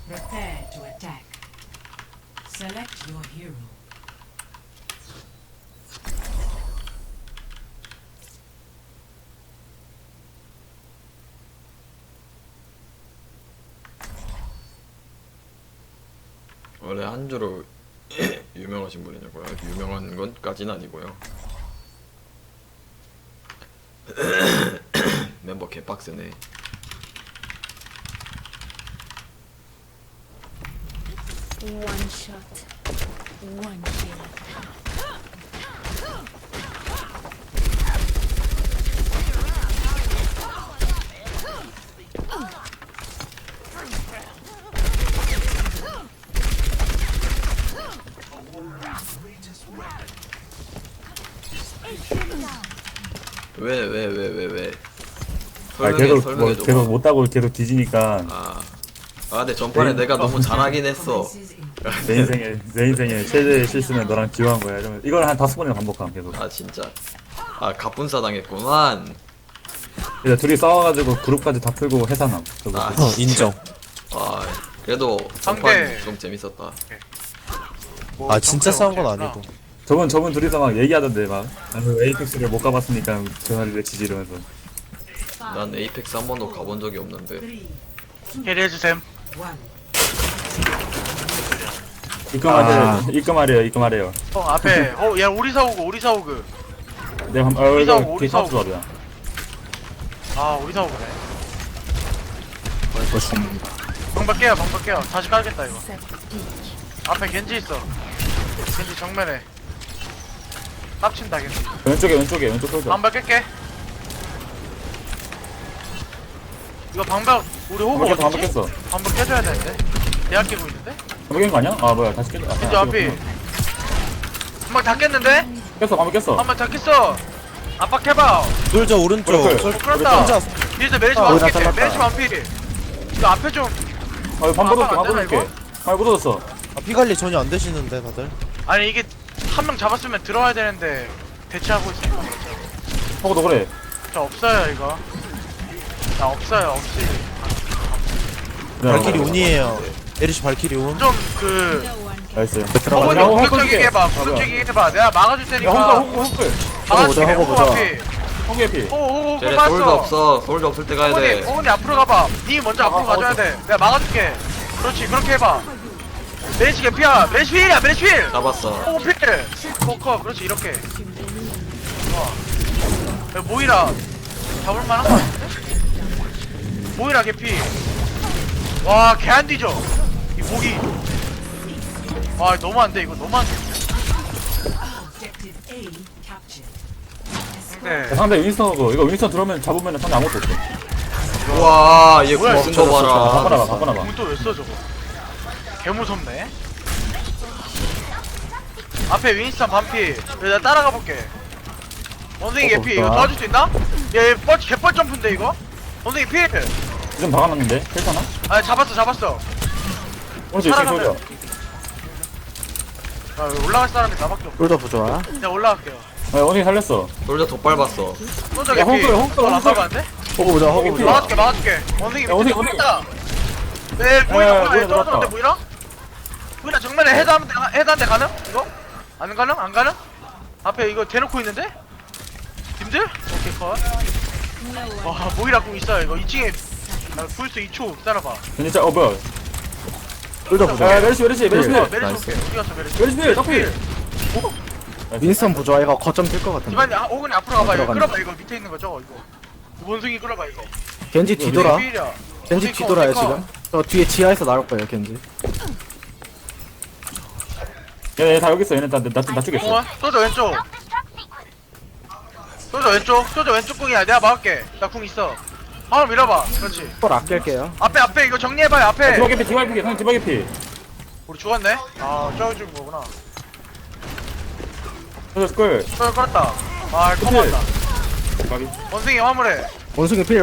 Prepare to attack. Select your hero. 원래 한주로 유명하신 분이냐고요? 유명한 건까지는 아니고요. 멤버 개빡세네. One shot, one kill. 왜? 아 계속 뭐 계속 못하고 계속 뒤지니까 근데 전판에 내가 너무 잘하긴 했어. 내 인생의 최대의 실수는 너랑 지워한 거야. 이러면 이걸 한 5번이나 반복함 계속. 아 진짜. 갑분싸 당했구만. 그래서 둘이 싸워가지고 그룹까지 다 풀고 해산함. 아, 인정. 그래도 전판 좀 재밌었다. 아 진짜 싸운 건 아니고. 저분 둘이서 막 얘기하던데 막 나는 에이펙스를 못 가봤으니까 전화를 외치지 이러면서. 난 에이펙스 한 번도 가본 적이 없는데. 캐리해주셈. 입금하래요. 앞에 야 우리 사오그 내가 우리 이거 사오고. 조합이야. 우리 사오그네. 방박 깨요 다시 깔겠다 이거. 앞에 겐지 있어. 겐지 정면에 깝친다 겐지. 왼쪽 솔져. 방박 깰게. 이거 방박 우리 호구 한번 어디지? 깼어. 방박 깨줘야 되는데. 대학 깨고 있는데? 한번 깬거 아니야? 아 뭐야 다시 깼어. 겐지 앞이 한방 다 깼는데? 한번 깼어. 한방 다 깼어. 압박해봐. 솔저 오른쪽. 그래. 그렇다. 혼자. 뒤에서 메리시 우리 다 만피. 잘랐다. 메리시 만피. 이거 앞에 좀. 반 안 되나, 뻗어줄게. 못 얻었어. 피 관리 전혀 안 되시는데 다들. 아니 이게 한 명 잡았으면 들어와야 되는데 대치하고 있으니까 그렇죠. 하고도 그래. 저 없어요 이거. 나 없어요 없이. 발키리 운이에요. 에리시 발키리 운. 좀그 나이스. 허브니 하고 공격적이게 해봐. 뭐야. 공격적이게 해봐. 내가 막아줄 야 테니까. 홍글. 막아줄게. 하고 보자. 앞이. 홍게 피. 호호 쟤네 봤어. 솔도 없어. 솔도 없을 때 가야 돼. 호분이 앞으로 가봐. 니 먼저 앞으로 가줘야 돼. 내가 막아줄게. 그렇지 그렇게 해봐. 메리시 개피야. 메리시 필이야. 메리시 필. 잡았어. 호구 필. 포커 그렇지 이렇게. 좋아. 야, 모이라 잡을만한 거 같은데? 모이라 개피. 와 개 안 뒤져. 이 목이. 와 너무 안 돼 이거 너무 안 돼. Objective A captured. 근데 상대 윈스턴하고 이거 윈스턴 들어오면 잡으면 상대 아무것도 없어. 우와, 얘 뭐야, 궁쓴 거 봐라. 바꿔놔봐. 공 또 왜 써 저거? 개 무섭네. 앞에 윈스턴 반피. 내가 따라가 볼게. 원숭이 개피. 이거 도와줄 수 있나? 얘 개뻘 점프인데 이거? 원숭이 피. 좀 박아놨는데? 괜찮아? 아 잡았어. 오른쪽 살아가면- 솔져. 올라갈 사람이 나밖에 없어. 솔저 부좋아. 내가 올라갈게요. 원숭이 살렸어. 솔저 덧밟았어. 소저 야, 개피. 홍글. 안 나가는데? 호구 보자. 호구 보자. 막아줄게. 원숭이 야, 원숭이, 밑에 있다. 네, 뭐이라 보이라 떨어졌는데 들어왔다. 보이라? 보이라 정면에 헤드한대 가능? 이거? 안 가능? 안 가능? 앞에 이거 대놓고 있는데? 님들? 오케이 컷. 와 보이라 공 있어요 이거 2층에 불스 2초 기다려봐. 진짜 뭐야? 솔저 야 메르시. 메리시 나이스. 올게. 어디 갔어 메리시? 메르시 떡필. 윈스턴 부좋아. 이거 거점 뛸 것 같은데. 이번에 호근이 앞으로 가봐. 이거 들어간다. 끌어봐 이거 밑에 있는 거 저거 이거. 원숭이 끌어봐 이거. 겐지 뒤돌아. 원숭이 필이야. 겐지 원숭이 뒤돌아요 커. 지금. 저 뒤에 지하에서 나올 거예요 겐지. 얘다 여기 있어. 얘네 나 죽였어. 공원 소저 왼쪽. 소저 왼쪽 궁이야. 내가 막을게. 나 궁 있어. 한번 밀어봐. 그렇지. 걸 아낄게요. 앞에 이거 정리해봐요. 앞에. 디바게 피. 형 디바게 피. 우리 죽었네. 저기 죽은 거구나. 솔져 끌. 소저 끌었다. 커버한다. 원숭이 화물해. 원숭이 필.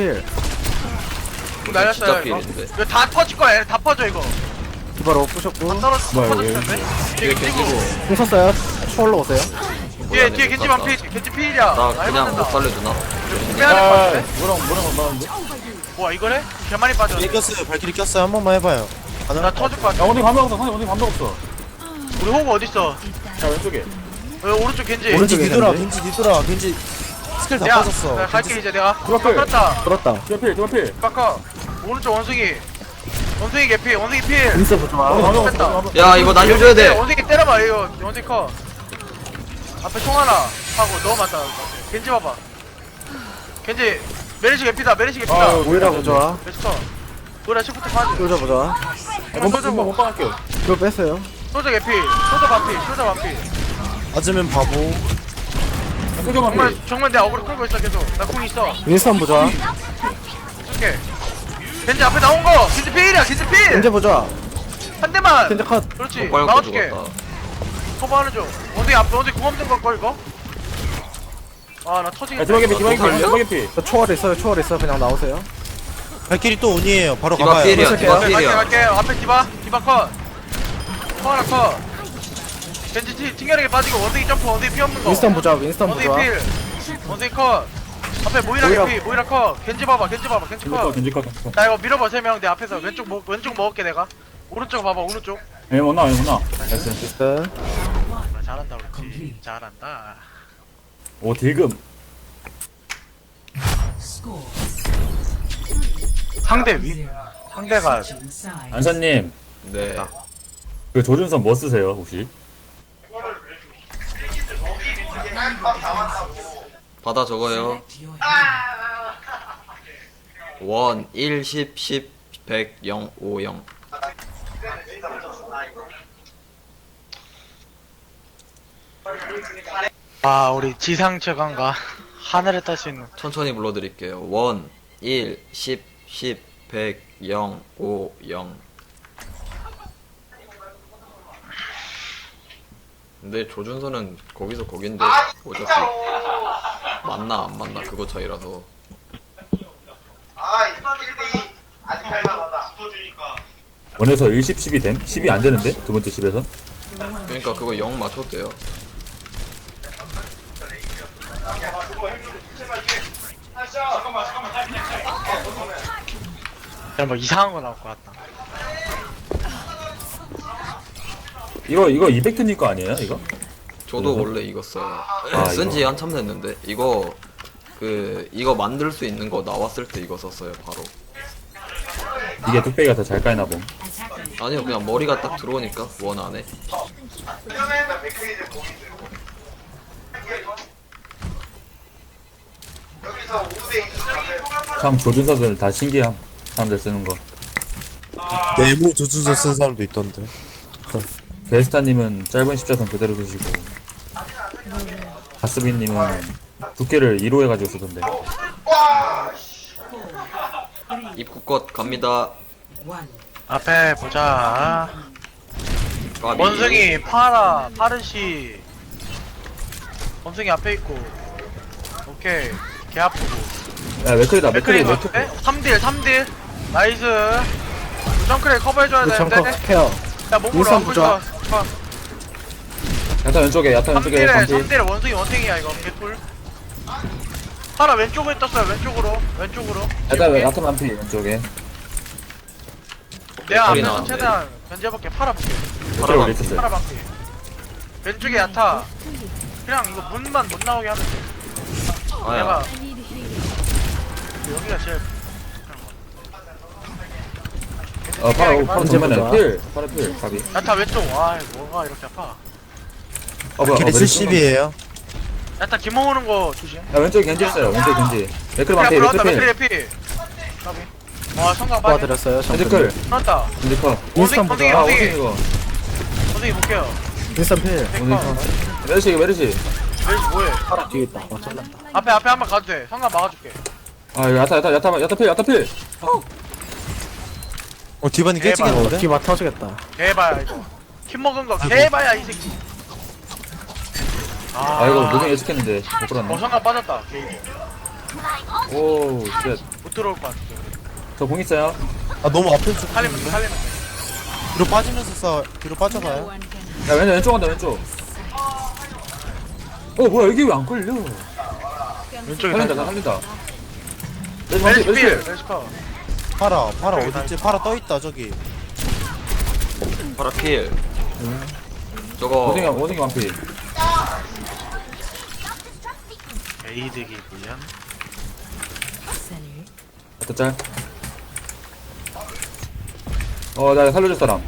궁 날렸어요 진짜 이거. 필인데. 이거 다 퍼질 거야. 얘네 다 퍼져 이거. 디바로 부셨고. 떨어져 뭐야, 퍼졌을 이거. 텐데. 뒤에 뒤에 겐지고. 겐지고. 공 썼어요. 초월로 오세요. 뒤에 겐지 반피. 겐지 필이야. 나 그냥 못 살려주나? 빼야 될 것 같은데. 뭐랑 맞았는데? 뭐야 이거래? 개 많이 빠졌네. 꼈어요. 발키리 꼈어요. 한 번만 해봐요. 나 터질 것 야 같아. 원숭이 반박 없어. 원숭이 반박 없어. 우리 호구 어딨어? 자 왼쪽에. 오른쪽 겐지. 오른쪽 겐지 뒤돌아, 겐지. 겐지 뒤돌아, 겐지 스킬 다 내가 빠졌어. 내가 갈게 이제 내가. 들어갈게. 깎았다. 돌았다. 두필 두필. 깎아. 오른쪽 원숭이. 원숭이 개피. 원숭이 필. 윈스턴 보조아. 반박 뺐다. 없어. 야 이거 날려줘야 돼. 원숭이 때려봐 이거. 원숭이 커. 앞에 총 하나 하고 너무 많다. 겐지 봐봐. 겐지 메리시 개피다. 메리시 개피다. 아 오히려 보조아. 메리시 커. 노래 시프트 파지. 솔저 보조아. 못 박을게요. 이거 뺐어요. 소저 개피. 소저 반피. 소저 반피. 맞으면 바보. 소경만 정말 필. 정말 내 어그로 끌고 있어 계속. 나 궁 있어. 윈스턴 보조아. 오케이. 겐지 앞에 나온 거. 겐지 필이야. 겐지 필. 겐지 보조아. 한 대만. 겐지 컷. 그렇지. 빨고 막아줄게. 죽었다. 커버하는 중. 원숭이 앞에 원숭이 궁 없는 걸걸 이거? 아 나 터지겠다. 야 디바게 피 디바게 피 살려? 디바게 피. 저 초월 있어요. 초월 있어. 그냥 나오세요. 발길이 또 운이에요. 바로 디바 가봐요. 필이야. 디바 갈게 필이야. 갈게. 앞에 디바. 디바 컷. 커 하나 컷. 겐지 튕겨내게 빠지고 원숭이 점프. 원숭이 피 없는 거. 윈스턴 보조아. 윈스턴 원숭이 보조아. 필. 원숭이 컷. 앞에 모이라 모이라. 개피. 모이라 컷. 겐지 봐봐. 겐지 봐봐. 겐지 컷. 겐지컷. 나 이거 밀어봐 3명 내 앞에서 왼쪽 먹을게 내가. 오른쪽 봐봐 오른쪽. 얘못 나와 얘 못 나와. 나이스. 윈스턴. 아, 잘한다 그렇지. 잘한다. 오 딜금. Score 상대 zero. 상대가 Section size. 안사님 네. 그 조준선 뭐 쓰세요 혹시? 받아 적어요. Select your hero. 1, 1, 10, 10, 100, 0, 5, 0. 아 우리 지상 최강가 하늘에 딸 수 있는. 천천히 불러드릴게요. 1, 1, 10, 10, 100, 0, 5, 0. 근데 조준선은 거기서 거긴데 어차피 맞나 안 맞나 그거 차이라서. 원에서 1, 10, 10이 됨? 10이 안 되는데? 두 번째 10에서? 그러니까 그거 0 맞춰도 돼요. 야, 뭐 이상한 거 나올 것 같다. 이거 200트님 거 아니에요 이거? 저도 그래서? 원래 이거 써요. 아, 쓴지 이거. 한참 됐는데 이거 만들 수 있는 거 나왔을 때 이거 썼어요 바로. 이게 뚝배기가 더 잘 까이나 봄. 아니요 그냥 머리가 딱 들어오니까 원 안에. 참 조준선을 다 신기함 사람들 쓰는 거. 네모 조준서 쓴 사람도 있던데. 베스타님은 짧은 십자선 그대로 쓰시고 가스비님은 두께를 2로 해가지고 쓰던데. 입구껏 갑니다. One. 앞에 보자. 까비. 원숭이 파라 파르시. 원숭이 앞에 있고. 오케이. 개 아프고. 야 맥클이다 맥클이 맥크리 맥클. 3딜. 나이스. 정크레 커버해줘야 되는데. 루천컷 케어. 야 몸으로 윈선 안 부자. 부자. 야타 왼쪽에 야타 왼쪽에 3딜에 반피. 3딜에 원숭이 원탱이야 이거 개꿀. 파라 왼쪽에 떴어요 왼쪽으로. 야타 반피 왼쪽에. 내가 소리 앞에서 나는데. 최대한 견제해볼게. 파라 볼게. 왼쪽에 올리셨어요. 파라 반피. 왼쪽에 야타. 그냥 이거 문만 못 나오게 하면 돼. 아야. 내가 I need healing. 여기가 제일. 파라 언제 정면에 보자. 필. 파라 필. 가비. 야타 왼쪽. 와 뭐가 이렇게 아파. 뭐야 발길이 70이에요. 야타 기모 오는 거 조심. 야 왼쪽에 겐지 있어요 왼쪽에 겐지. 맥클 반피 그래 불러왔다 맥클 필. 맥크리 피. 까비. 와 성강 빠지. 도와드렸어요. 겐지 정글. 클. 불렀다. 겐지 컷. 윈스턴 원숭이, 보조아. 아 원숭이. 원숭이 이거. 선생님 볼게요. 윈스턴 필. 원숭이 컷. 메르시 메르시. 멜시 뭐해? 파라 뒤에 있다. 와 잘났다. 앞에 한번 가도 돼. 성강 막아줄게. 아 야타 필. 디바니 대박. 깨지겠는데? 기마 터지겠다. 개봐야 이거. 킴 먹은 거 개봐야 이 새끼. 아 이거 무빙 예측했는데 못 끌었네. 성강 빠졌다. 개인. 오 쉣. 못 들어올 것 같아. 저 공 있어요? 아 너무 앞에 좀 살리면 돼. 뒤로 빠지면서 싸. 뒤로 No 빠져봐요. one can 야 왼쪽 간다 왼쪽. 뭐야 여기 왜 안 걸려? 왼쪽에 살린다 살린다. 살린다. 멜시 멜시 필. 멜시. 멜시 커. 파라 오케이, 어딨지? 파라 떠있다 저기. 파라 필. 저거 원숭이 완피. 에이드기 불량. center. 어떤 짤? 나 살려줄 사람.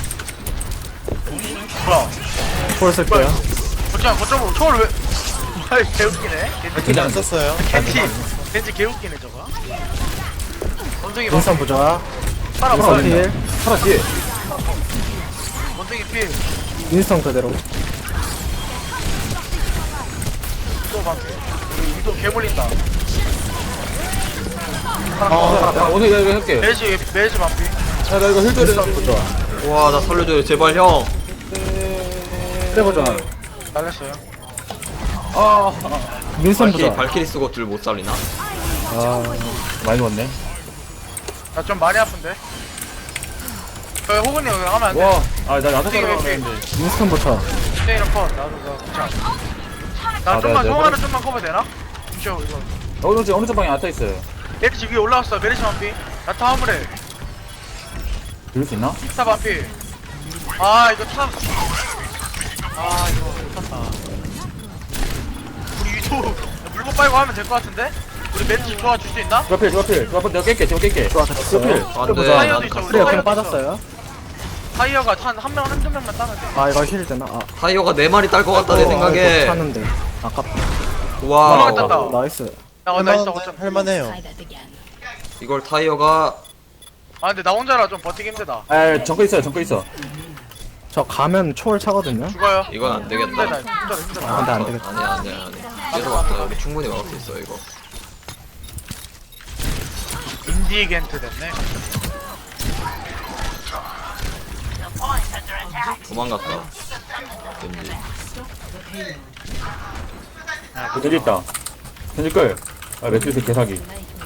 뭐야? 폴 쓸게요. 거점 초월 왜? 아이 개웃기네. 그냥 안 썼어요. 겐지 개웃기네 저거. 원숭이 막 윈스턴 부조화. 파라 윈스턴 파라. 필. 하나 뒤에. 원숭이 필. 윈스턴 그대로. 또 방. 우리 위도 개 몰린다. 야, 원숭이 나 이거 할게. 매지 반피. 야, 나 이거 힐 줘야 윈스턴 돼. 부조화. 와 나 살려줘요 제발 형. 트레 부조화. 날렸어요. 윈스턴 발키리 부조화. 발키리 쓰고 들 못 살리나? 많이 죽었네. 나 좀 많이 아픈데. 호근이 여기 하면 안 돼. 와, 나 나도 어떻게 살아가야 왜 되는데. 윈스턴 부조화. 스테이너 컷. 나도 괜찮아. 나 좀만 송하나 좀만 커버 되나? 이거. 어느 쪽 방에 앉아 있어요. 메리시 위에 올라왔어. 메리시 반피. 나타 화물해. 들을 수 있나? 타 반피. 아 이거 참. 아 이거 못탔다. 우리 위도 물고 빨고 하면 될 것 같은데? 우리 메리시 도와줄 수 있나? 주가필. 내가 깰게. 주가필. 안돼 타이어도 난 있어. 갔어. 트레 그냥 타이어도 빠졌어요. 타이어가 한두 명만 따면 돼. 아 이거 힐 되나? 타이어가 4마리 딸 것 같다 내 생각에. 타는데. 아깝다. 와 땄다. 나이스. 나 있어 어쩜. 할만해요. Try that again. 이걸 타이어가 아 근데 나 혼자라 좀 버티기 힘들다. 정글 있어. 저 가면 초월 차거든요. 죽어요. 이건 안 되겠다. 힘들다. 힘들어. 아, 근데 안 되겠다. 아니야. 계속 왔다. 우리 충분히 막을 수 있어 이거. 인디겐트 됐네. 도망갔다. 왠지. 겐지 있다. 겐지 끌. 매트리스 개사기.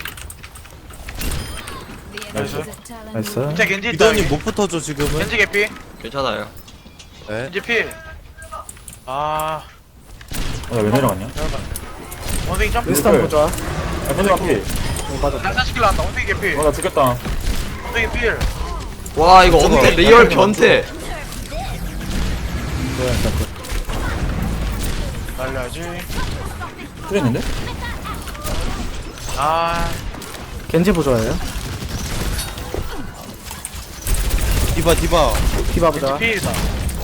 나이스. 나이스. 진짜 겐지 있다. 이도님 여기. 못 붙어줘 지금은. 겐지 개피. 괜찮아요. 네. 겐지 필. 아. 왜 내려갔냐? 원숭이 점프. 윈스턴 그래. 부조화. 겐지 완피. 맞아. 난사시킬러 한다. 원숭이 개피. 나 죽겠다. 원숭이 필. 와 이거 엄태 리얼 변태. 날려야지. 틀렸는데? 아. 겐지 부조화예요. 디바. 디바 겐지 부조화. 필이다.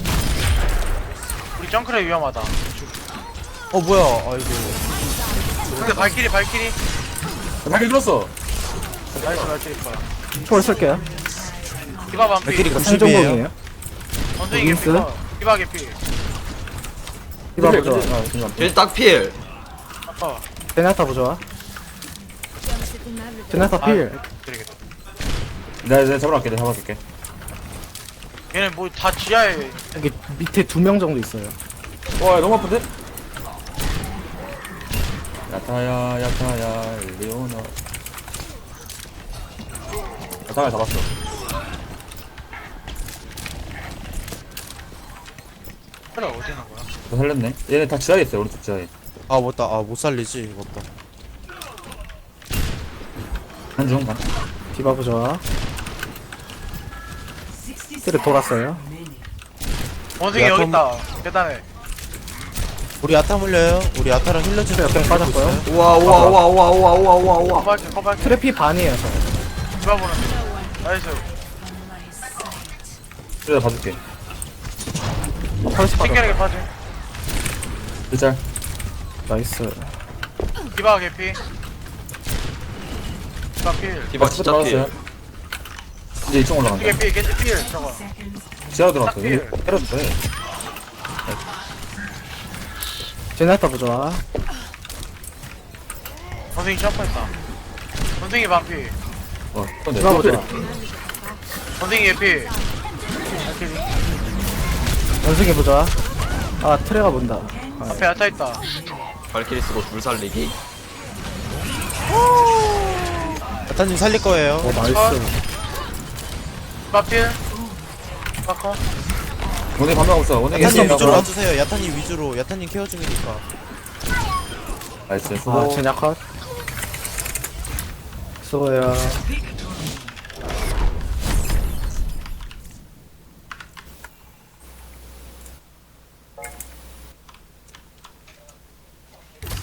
우리 정크레 위험하다. 뭐야? 아이고. 근데 발키리. 발길 들었어. 나이스 발키리 거야. 초월 쓸게요. 디바 반피. 발키리 90이에요. 생존공이에요. 원숭이 윈스? 개피가. 디바 개피. 디바 부조화. 겐지 완피. 겐지 딱 필. 아까. 제나타 부조화. 제나타 필. 드리겠다. 내가 잡으러 갈게. 내가 잡아줄게. 얘네 뭐 다 지하에. 여기 밑에 2명 정도 있어요. 와, 너무 아픈데? 야타야, 리오나. 야타야 잡았어. 그래 어디 있는 거야? 너 살렸네. 얘네 다 지하에 있어요, 오른쪽 지하에. 맞다. 못 살리지. 맞다. 한중 가. 디바 부조화. 뒤로 돌았어요. 원숭이 야, 여기 그럼- 있다. 계단에. 우리 아타 물려요. 우리 아타랑 힐러 좀 역행 빠졌고요. 우와. 커발게. 트래피 반이에요 저. 디바 보는. 나이스. 그래, 봐줄게. 펄스 빠졌. 신기하게 빠지. 일짤. 나이스. 디바 개피. 디바 필. 디바 진짜 필. 이제 2층 올라간다. 겐지 개피. 겐지 필. 저거. 지하로 들어갔어. 딱 필. 때려도 돼. 제나타 부조화. 원숭이 점프했다. 원숭이 반피. 근데 디바 부조화. 원숭이 개피. 발키리. 원숭이 부조화. 아 트레가 본다. 앞에 야타 있다. 발키리 쓰고 둘 살리기. 아타님 살릴 거예요. 나이스. 디바 필. 디바 커. 오늘 반응하고 있어. 오늘 야타님 위주로 와주세요. 야타님 위주로. 야타님 케어 중이니까. 나이스. 아 수고. 제냐 컷. 수고해요.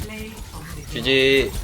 Play of the GG